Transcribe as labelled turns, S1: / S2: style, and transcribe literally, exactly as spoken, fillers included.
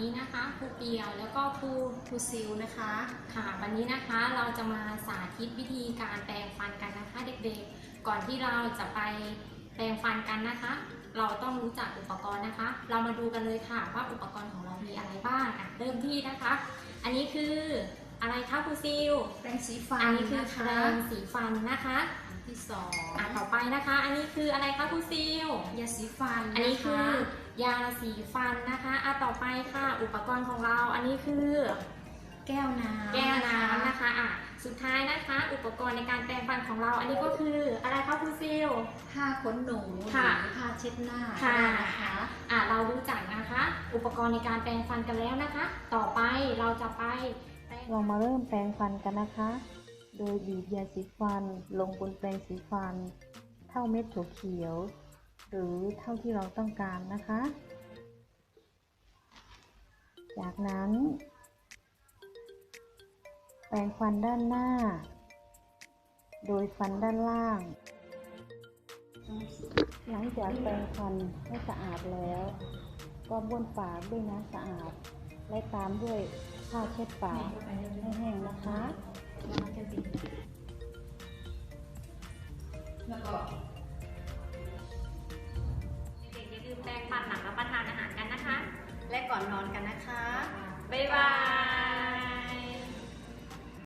S1: นี้นะคะครูเปียวแล้วก็ครู
S2: ครูซิลนะคะ
S1: ค่ะวันนี้นะคะเราจะมาสาธิตวิธีการแปรงฟันกันนะคะเด็กๆก่อนที่เราจะไปแปรงฟันกันนะคะ เราต้องรู้จักอุปกรณ์นะคะ เรามาดูกันเลยค่ะว่าอุปกรณ์ของเรามีอะไรบ้างอ่ะเริ่มที่นะคะ อันนี้คืออะไรคะครูซิล
S2: แปรงสีฟัน
S1: อันนี้คือ
S2: นะ
S1: แป
S2: คะ
S1: รงสีฟันนะคะ
S2: อันที่สอง
S1: อ่ะต่อไปนะคะ อันนี้คืออะไรคะครูซิล
S2: ยาสีฟัน
S1: อันนี้
S2: ะะ
S1: คือยาสีฟันนะคะอ่ะต่อไปค่ะ อุปกรณ์ของเรา อันนี้คือ
S2: แก้วน้ำ
S1: แก้วน้ำนะคะอ่ะสุดท้ายนะคะ อุปกรณ์ในการแปรงฟันของเรา อันนี้ก็คืออะไรคะครูซิล
S2: ผ้าขนหนูหรือ
S1: ค่ะ
S2: ผ้าเช็ดหน้า
S1: ค่ะ
S2: นะคะ
S1: อ่ะเรารู้จักนะคะ อุปกรณ์ในการแปรงฟันกันแล้วนะคะ ต่อไปเราจะไปแปรง
S3: เรามาเริ่มแปรงฟันกันนะคะ โดยบีบยาสีฟันลงบนแปรงสีฟัน เท่าเม็ดถั่วเขียว หรือเท่าที่เราต้องการนะคะ จากนั้น แปรงฟันด้านหน้า โดยฟันด้านล่าง หลังจากแปรงฟันให้สะอาดแล้ว ก็บ้วนปากด้วยน้ำสะอาด และตามด้วยผ้าเช็ดปากให้แห้งนะคะ
S2: แล้วก็
S1: เด็กๆอย่าลืมแปรงฟันหลังรับประทานอาหารกันนะคะ
S2: และก่อนนอนกันนะคะ
S1: บ๊ายบาย